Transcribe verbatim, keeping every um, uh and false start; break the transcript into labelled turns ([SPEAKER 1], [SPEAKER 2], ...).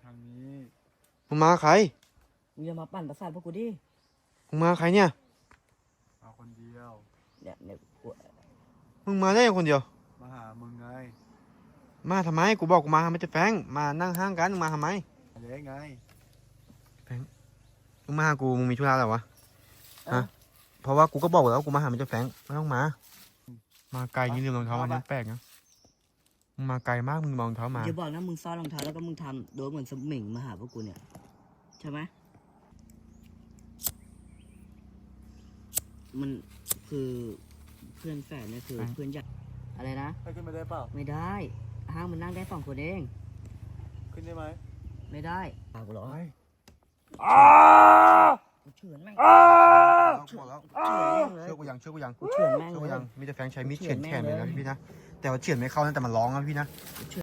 [SPEAKER 1] ทางนี้
[SPEAKER 2] มึงมาใคร
[SPEAKER 3] มึงอย่ามาปั่นประสาทพวกกูดิ
[SPEAKER 2] มึงมาใครเนี่ย
[SPEAKER 1] มาคนเดียว
[SPEAKER 3] เนี่ยเนี่ยกู
[SPEAKER 2] มึงมาได้คนเดียว
[SPEAKER 1] มาหามึงไง
[SPEAKER 2] มาทำไมกูบอกกูมาหาไม่จะแฟงมานั่งห้างกันมึงมาทำไม
[SPEAKER 1] เล็กไง
[SPEAKER 2] มึงมาหากูมึงมีธุระอะไรวะ
[SPEAKER 3] เอ้า
[SPEAKER 2] ฮะ เพราะว่ากูก็บอกแล้ววากูมาหาไม่จะแฟงไม่ต้องมา มาไกลนี่ลืมรองเท้าอันนี้แปลกนะมึงมาไกลมากมึงมารองเท้ามา
[SPEAKER 3] อย่าบอกนะมึงซ่อนรองเท้าแล้วก็มึงทำโดยเหมือนสมิงมาหาพวกกูเนี่ยใช่ไหมมันคือเพื่อนแฝดเนี่ยคือ
[SPEAKER 2] ไหน
[SPEAKER 3] เพื่อนใหญ่อะไรนะ
[SPEAKER 1] ให้ขึ้นมาได้เปล่า
[SPEAKER 3] ไม่ได้ห้างมันนั่งได้สองคนเอง
[SPEAKER 1] ขึ้นได้ไหม
[SPEAKER 3] ไม่ได้ปากกูเหรอ
[SPEAKER 1] ไป
[SPEAKER 3] กูเฉือนแม่ง
[SPEAKER 2] กูบอกแล้ว
[SPEAKER 3] เฉือนแม่งเลย
[SPEAKER 2] เชื่อกูยังเชื่อกูยัง
[SPEAKER 3] กูเฉือนแม่ง
[SPEAKER 2] เชื่อ
[SPEAKER 3] เล
[SPEAKER 2] กู
[SPEAKER 3] ย
[SPEAKER 2] ยังมีแต่แฟงใช้มีด
[SPEAKER 3] เฉื
[SPEAKER 2] เฉื
[SPEAKER 3] อ
[SPEAKER 2] อน น
[SPEAKER 3] แม่ง
[SPEAKER 2] แขนเลยนะ
[SPEAKER 3] เลย
[SPEAKER 2] พี่นะแต่ว่าเฉือนไม่เข้านะแต่มันร้องนะพี่นะ